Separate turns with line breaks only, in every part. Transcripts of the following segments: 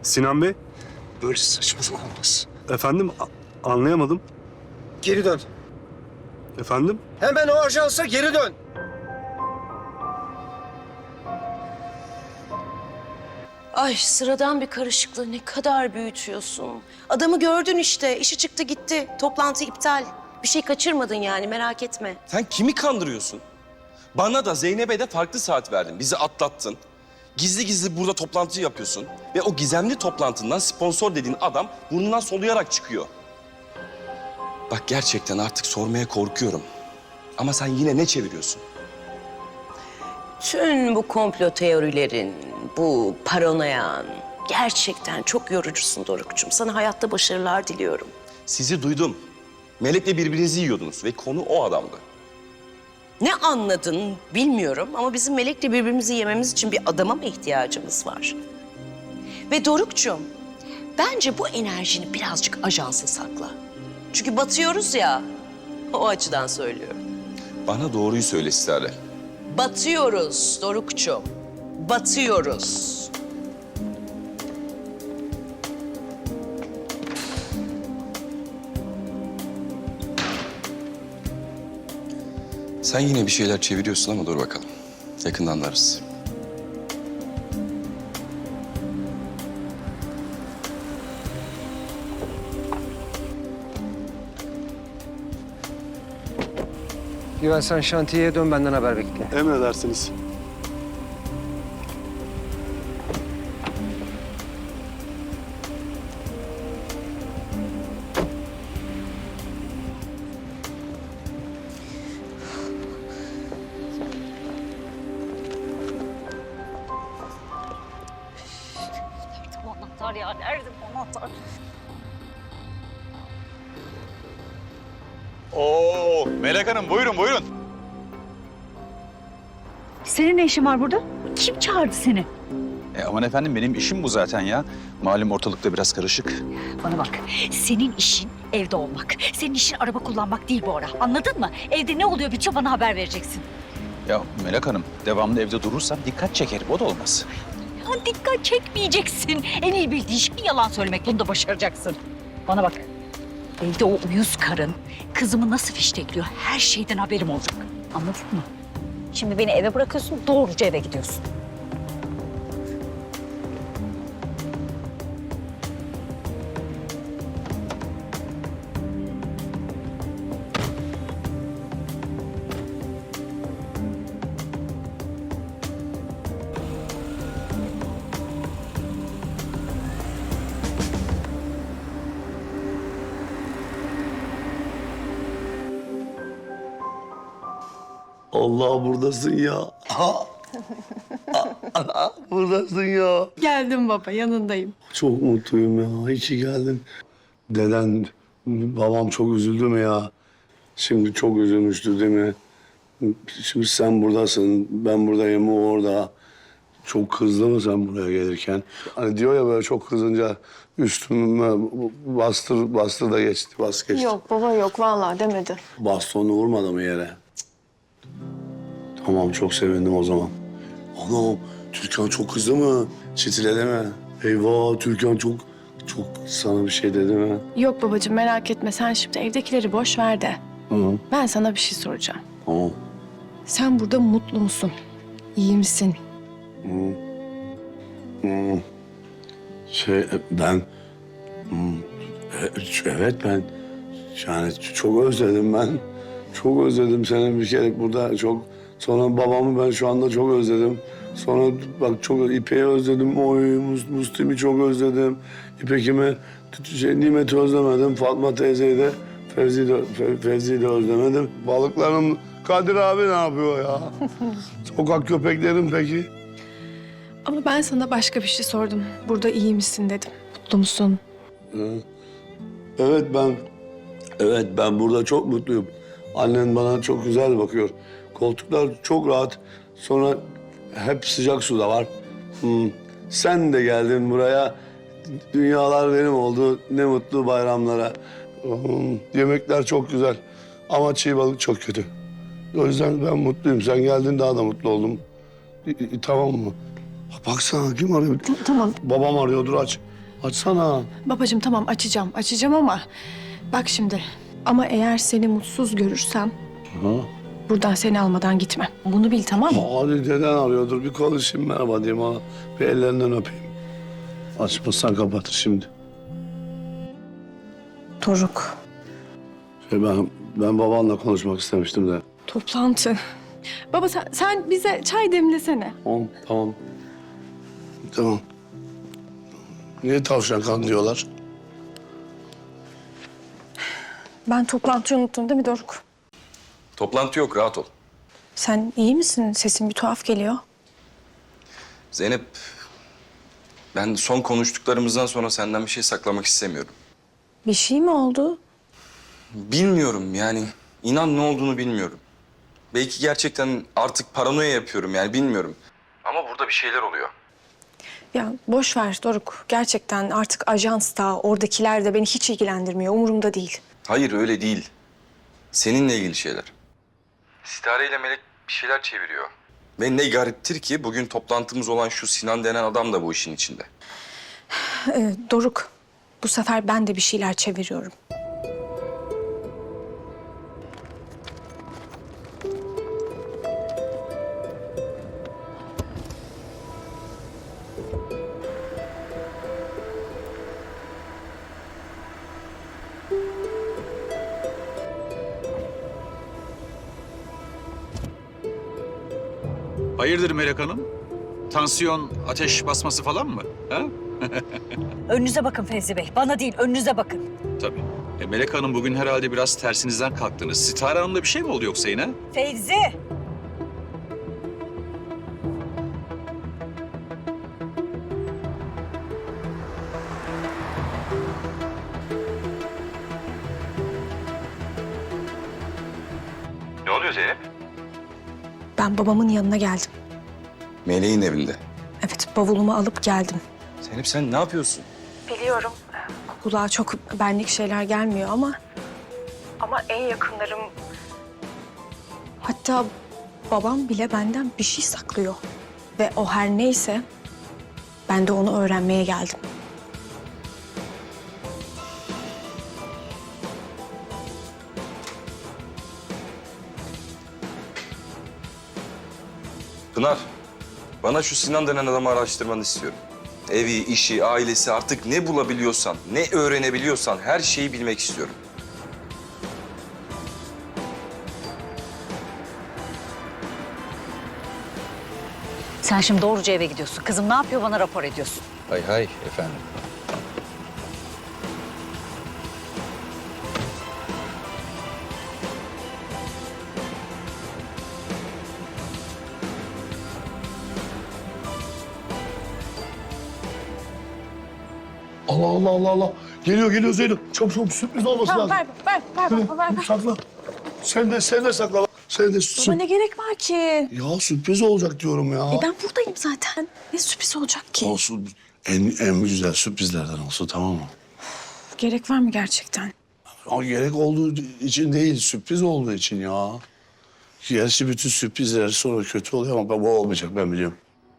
Sinan Bey,
Böyle saçmalık olmaz.
efendim anlayamadım.
Geri dön.
Efendim?
Hemen o ajansa geri dön.
Ay sıradan bir karışıklığı ne kadar büyütüyorsun. Adamı gördün işte, işi çıktı gitti. Toplantı iptal. Bir şey kaçırmadın yani, merak etme.
Sen kimi kandırıyorsun? Bana da Zeynep'e de farklı saat verdin. Bizi atlattın. Gizli gizli burada toplantı yapıyorsun. Ve o gizemli toplantından sponsor dediğin adam burnundan soluyarak çıkıyor. Bak gerçekten artık sormaya korkuyorum. Ama sen yine ne çeviriyorsun?
Tüm bu komplo teorilerin, bu paranoyan gerçekten çok yorucusun Doruk'cum. Sana hayatta başarılar diliyorum.
Sizi duydum. Melek'le birbirinizi yiyordunuz ve konu o adamdı.
Ne anladın bilmiyorum ama bizim Melek'le birbirimizi yememiz için bir adama mı ihtiyacımız var? Ve Doruk'cum, bence bu enerjini birazcık ajansa sakla. Çünkü batıyoruz ya, o açıdan söylüyorum.
Bana doğruyu söyle Sitare.
Batıyoruz Doruk'cum, batıyoruz.
Sen yine bir şeyler çeviriyorsun ama dur bakalım. Yakında anlarız.
Güven sen şantiyeye dön, benden haber bekle.
Emredersiniz.
Bu anahtar ya, nerede bu anahtar?
Oo, Melek Hanım buyurun buyurun.
Senin ne işin var burada? Kim çağırdı seni?
Aman efendim benim işim bu zaten ya. Malum ortalıkta biraz karışık.
Bana bak, senin işin evde olmak. Senin işin araba kullanmak değil bu ara. Anladın mı? Evde ne oluyor bitiyor bana haber vereceksin.
Ya Melek Hanım devamlı evde durursam dikkat çekerim o da olmaz.
Ya dikkat çekmeyeceksin. En iyi bildiğin şey yalan söylemek. Bunu da başaracaksın. Bana bak, evde o uyuz karın kızımı nasıl fiştekliyor her şeyden haberim olacak. Anladın mı? Şimdi beni eve bırakıyorsun, doğruca eve gidiyorsun.
Allah buradasın ya. Buradasın ya.
Geldim baba, yanındayım.
Çok mutluyum ya. İyi ki geldin. Deden, babam çok üzüldü mü ya? Şimdi çok üzülmüştü değil mi? Şimdi sen buradasın, ben buradayım, o orada. Çok kızdı mı sen buraya gelirken? Hani diyor ya böyle çok kızınca üstüme bastır da geçti, bas geçti.
Yok baba yok, vallahi demedi.
Bastonu vurmadı mı yere? Tamam, çok sevindim o zaman. Anam, Türkan çok kızdı mı? Çitiledi mi? Eyvah, Türkan çok sana bir şey dedi mi?
Yok babacığım, merak etme. Sen şimdi evdekileri boş ver de.
Hı,
Ben sana bir şey soracağım.
tamam.
Sen burada mutlu musun? İyi misin?
Ben... Evet, ben... Yani çok özledim ben. Çok özledim seni bir kere burada çok... Sonra babamı ben şu anda çok özledim. Sonra bak çok İpek'i özledim. Oy, Müslüm'ü çok özledim. İpek'imi, Nimet'i özlemedim. Fatma teyzeyi de, Fevzi'yi de özlemedim. Balıklarım, Kadir abi ne yapıyor ya? Sokak köpeklerim peki?
Ama ben sana başka bir şey sordum. Burada iyi misin dedim. Mutlu musun?
Evet ben burada çok mutluyum. Annen bana çok güzel bakıyor. Koltuklar çok rahat. Sonra hep sıcak su da var. Sen de geldin buraya. Dünyalar benim oldu. Ne mutlu bayramlara. Yemekler çok güzel. Ama çiğ balık çok kötü. O yüzden ben mutluyum. Sen geldin daha da mutlu oldum. Tamam mı? Baksana kim arıyor?
Tamam
Babam arıyordur, aç. Açsana.
babacığım, tamam açacağım ama bak şimdi. Ama eğer seni mutsuz görürsem
Ha?
buradan seni almadan gitmem. Bunu bil, tamam mı?
Hadi deden arıyordur. Bir konuşayım, merhaba diyeyim ona. Bir ellerinden öpeyim. Açmazsan kapatır şimdi.
Doruk.
Ben babanla konuşmak istemiştim de.
Toplantı. Baba sen bize çay demlesene.
Tamam. Tamam. Niye tavşan kan diyorlar?
Ben toplantıyı unuttum değil mi Doruk?
Toplantı yok, rahat ol.
Sen iyi misin? Sesin bir tuhaf geliyor.
Zeynep, ben son konuştuklarımızdan sonra senden bir şey saklamak istemiyorum.
Bir şey mi oldu?
Bilmiyorum yani, inan ne olduğunu bilmiyorum. Belki gerçekten artık paranoya yapıyorum yani bilmiyorum. Ama burada bir şeyler oluyor.
Ya boş ver Doruk. Gerçekten artık ajans da, oradakiler de beni hiç ilgilendirmiyor. Umurumda değil.
Hayır öyle değil. Seninle ilgili şeyler. Sitare ile Melek bir şeyler çeviriyor. Ve ne gariptir ki bugün toplantımız olan şu Sinan denen adam da bu işin içinde.
Doruk, bu sefer ben de bir şeyler çeviriyorum.
Hayırdır Melek Hanım? Tansiyon, ateş basması falan mı? Ha?
Önünüze bakın Fevzi Bey. Bana değil, önünüze bakın.
Tabii. Melek Hanım bugün herhalde biraz tersinizden kalktınız. Sitare Hanım'da bir şey mi oldu yoksa yine?
Fevzi!
Ne oluyor Zeynep?
Ben babamın yanına geldim.
Meleğin evinde.
Evet, bavulumu alıp geldim.
Zeynep sen ne yapıyorsun?
Biliyorum. Kulağa çok benlik şeyler gelmiyor ama... Ama en yakınlarım... Hatta babam bile benden bir şey saklıyor. Ve o her neyse ben de onu öğrenmeye geldim.
Pınar, bana şu Sinan denen adamı araştırmanı istiyorum. Evi, işi, ailesi artık ne bulabiliyorsan, ne öğrenebiliyorsan her şeyi bilmek istiyorum.
Sen şimdi doğruca eve gidiyorsun. Kızım ne yapıyor bana rapor ediyorsun.
Hay efendim.
Allah. Geliyor Zeynep. Çabuk sürpriz olması
Tamam,
lazım.
ver baba, ver.
Sakla. Sen de sakla. Sen de
Baba ne gerek var ki?
Ya sürpriz olacak diyorum ya.
Ben buradayım zaten. Ne sürpriz olacak ki?
Olsun. En güzel sürprizlerden olsun, tamam mı?
Gerek var mı gerçekten?
Ama gerek olduğu için değil, sürpriz olduğu için ya. Gerçi bütün sürprizler sonra kötü oluyor ama bu olmayacak, ben biliyorum.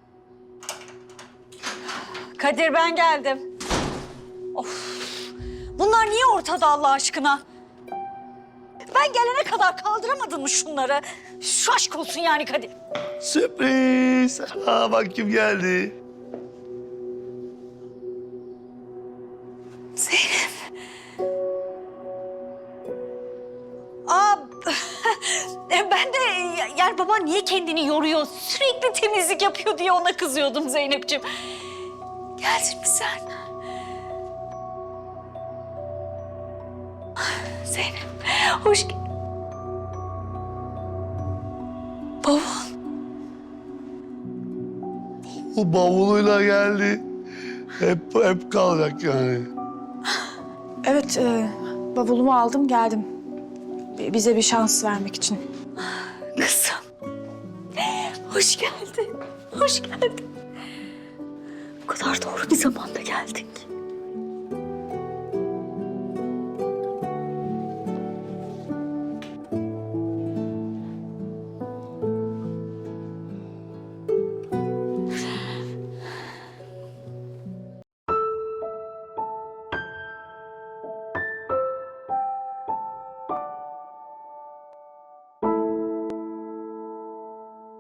Kadir ben geldim. Of. Bunlar niye ortada Allah aşkına? Ben gelene kadar kaldıramadın mı şunları? Şu aşk olsun yani Kadir.
Sürpriz! Bak kim geldi.
Aa, ben de yani baba niye kendini yoruyor, sürekli temizlik yapıyor diye ona kızıyordum Zeynep'ciğim. Geldin mi sen? Zeynep, hoş geldin. Baba.
O bavuluyla geldi. Hep kalacak yani.
Evet, bavulumu aldım geldim. Bize bir şans vermek için.
Kızım. Hoş geldin. Hoş geldin. O kadar doğru bir zamanda geldin ki.